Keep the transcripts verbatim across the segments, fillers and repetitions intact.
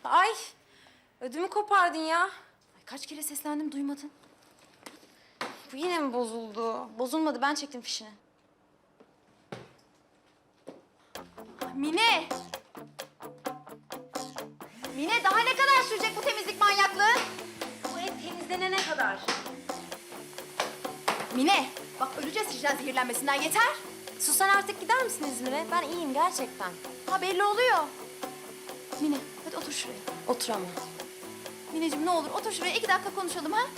Ay, ödümü kopardın ya. Ay, kaç kere seslendim duymadın. Bu yine mi bozuldu? Bozulmadı, ben çektim fişini. Mine! Mine, daha ne kadar sürecek bu temizlik manyaklığı? Bu ev temizlenene kadar. Mine, bak öleceğiz hijyen zehirlenmesinden, yeter. Sus, sen artık gider misin İzmir'e? Ben iyiyim gerçekten. Ha, belli oluyor. Mine, hadi otur şuraya. Oturamam. Mineciğim ne olur otur şuraya, iki dakika konuşalım ha.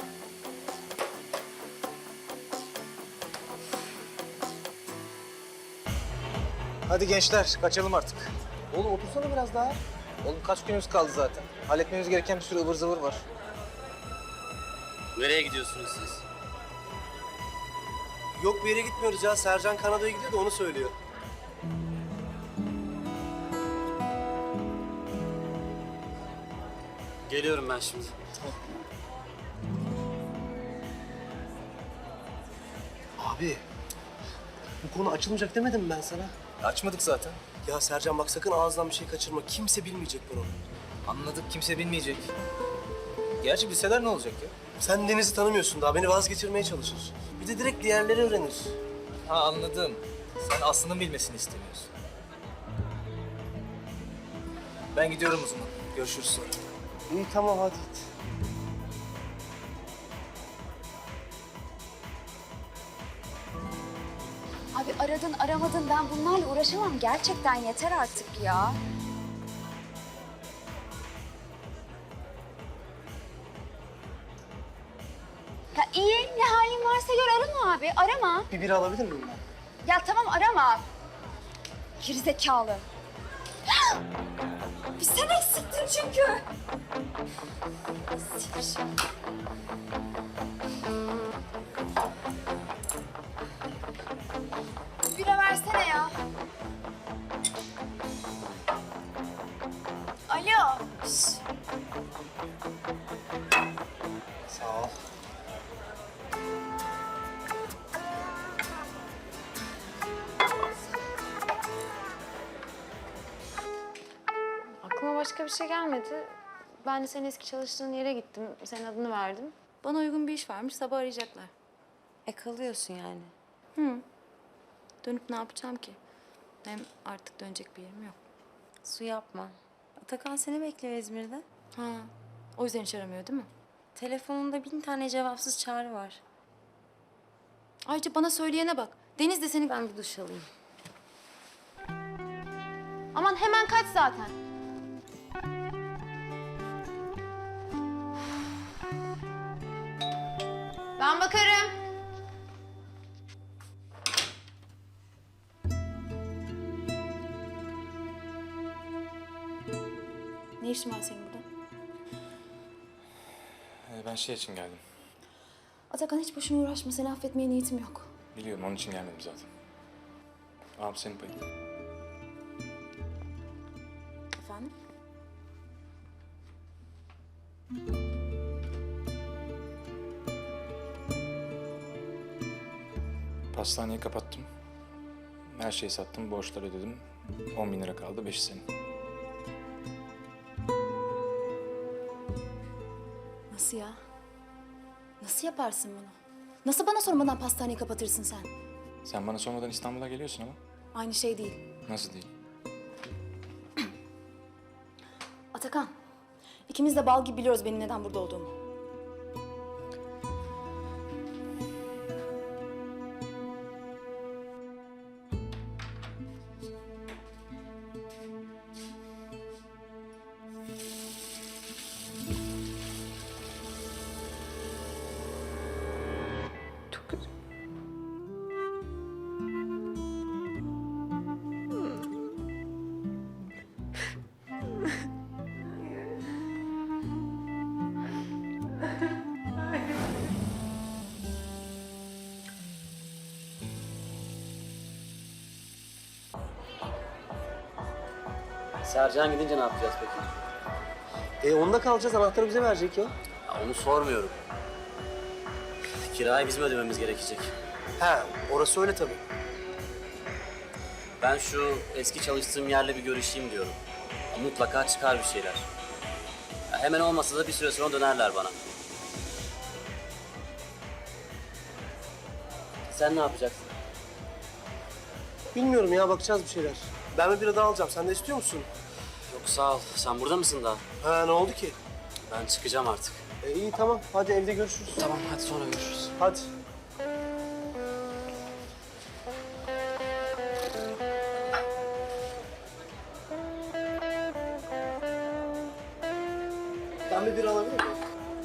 Hadi gençler, kaçalım artık. Oğlum otursana biraz daha. Oğlum kaç günümüz kaldı zaten. Halletmemiz gereken bir sürü ıvır zıvır var. Nereye gidiyorsunuz siz? Yok bir yere gitmiyoruz ya. Sercan Kanada'ya gidiyor da onu söylüyor. Geliyorum ben şimdi. Abi, bu konu açılmayacak demedim mi ben sana? Açmadık zaten. Ya Sercan bak sakın ağzından bir şey kaçırma. Kimse bilmeyecek bunu. Anladık, kimse bilmeyecek. Gerçi bilseler ne olacak ya? Sen Deniz'i tanımıyorsun daha. Beni vazgeçirmeye çalışır. Bir de direkt diğerleri öğrenir. Ha anladım. Sen Aslı'nın bilmesini istemiyorsun. Ben gidiyorum o zaman. Görüşürüz sonra. İyi tamam hadi git. Abi aradın aramadın, ben bunlarla uğraşamam. Gerçekten yeter artık ya. Ya iyi, ne halin varsa gör, arama abi, arama. Bir bira alabilir miyim ben? Ya tamam arama. Gerizekalı. Bir sen eksiktin çünkü. Sinir. Bira versene ya. Alo. Şş. Sağ ol. Aklıma başka bir şey gelmedi. Ben de senin eski çalıştığın yere gittim. Senin adını verdim. Bana uygun bir iş varmış. Sabah arayacaklar. E kalıyorsun yani. Hı. Dönüp ne yapacağım ki? Hem artık dönecek bir yerim yok. Su yapma. Atakan seni bekliyor İzmir'de. Ha. O yüzden hiç aramıyor değil mi? Telefonunda bin tane cevapsız çağrı var. Ayrıca bana söyleyene bak. Deniz de seni... Ben bir duş alayım. Aman hemen kaç zaten. Ben bakarım. Ne işin var senin burada? Ee, Ben şey için geldim. Atakan hiç boşuna uğraşma. Seni affetmeye niyetim yok. Biliyorum, onun için gelmedim zaten. Abi senin payın. Efendim? Pastaneyi kapattım. Her şeyi sattım, borçları ödedim. On bin lira kaldı, beşi senin. Nasıl ya? Nasıl yaparsın bunu? Nasıl bana sormadan pastaneyi kapatırsın sen? Sen bana sormadan İstanbul'a geliyorsun ama. Aynı şey değil. Nasıl değil? Atakan, ikimiz de bal gibi biliyoruz benim neden burada olduğumu. Çok kötü. Sercan gidince ne yapacağız peki? E onda kalacağız. Anahtarı bize verecek ya. Ya onu sormuyorum. Kirayı bizim ödememiz gerekecek. He, orası öyle tabii. Ben şu eski çalıştığım yerle bir görüşeyim diyorum. Mutlaka çıkar bir şeyler. Ya hemen olmasa da bir süre sonra dönerler bana. Sen ne yapacaksın? Bilmiyorum ya, bakacağız bir şeyler. Ben bir bira daha alacağım. Sen de istiyor musun? Yok sağ ol. Sen burada mısın daha? Ha, ne oldu ki? Ben çıkacağım artık. E, iyi tamam. Hadi evde görüşürüz. Tamam hadi sonra görüşürüz. Hadi. Ben bir bira alabilir miyim?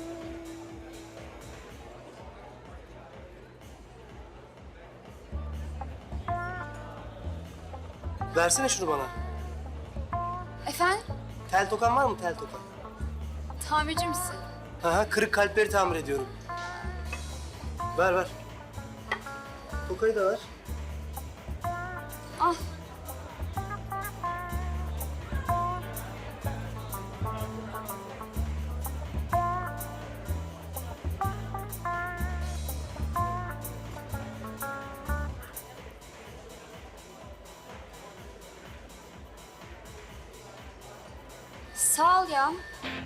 Versene şunu bana. Efendim? Tel tokan var mı, tel tokan? Tamirci misin? Ha ha, kırık kalpleri tamir ediyorum. Ver ver. Tokayı da ver. Al. Sağ ol ya.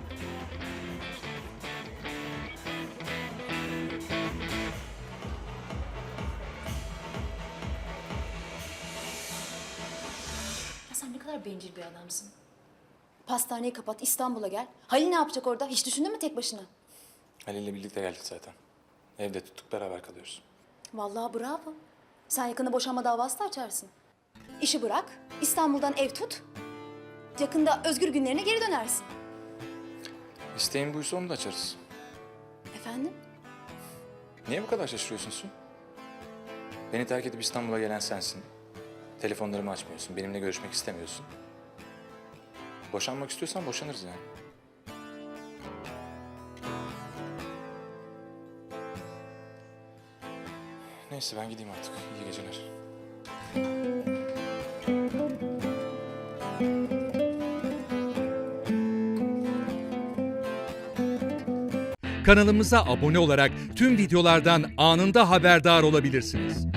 Ya sen ne kadar bencil bir adamsın. Pastaneyi kapat, İstanbul'a gel. Halil ne yapacak orada? Hiç düşündün mü tek başına? Halil'le birlikte geldik zaten. Evde tuttuk, beraber kalıyoruz. Vallahi bravo. Sen yakında boşanma davası da açarsın. İşi bırak, İstanbul'dan ev tut. Yakında özgür günlerine geri dönersin. İsteğin buysa onu da açarız. Efendim? Niye bu kadar şaşırıyorsun Su? Beni terk edip İstanbul'a gelen sensin. Telefonlarımı açmıyorsun, benimle görüşmek istemiyorsun. Boşanmak istiyorsan boşanırız yani. Neyse ben gideyim artık. İyi geceler. Kanalımıza abone olarak tüm videolardan anında haberdar olabilirsiniz.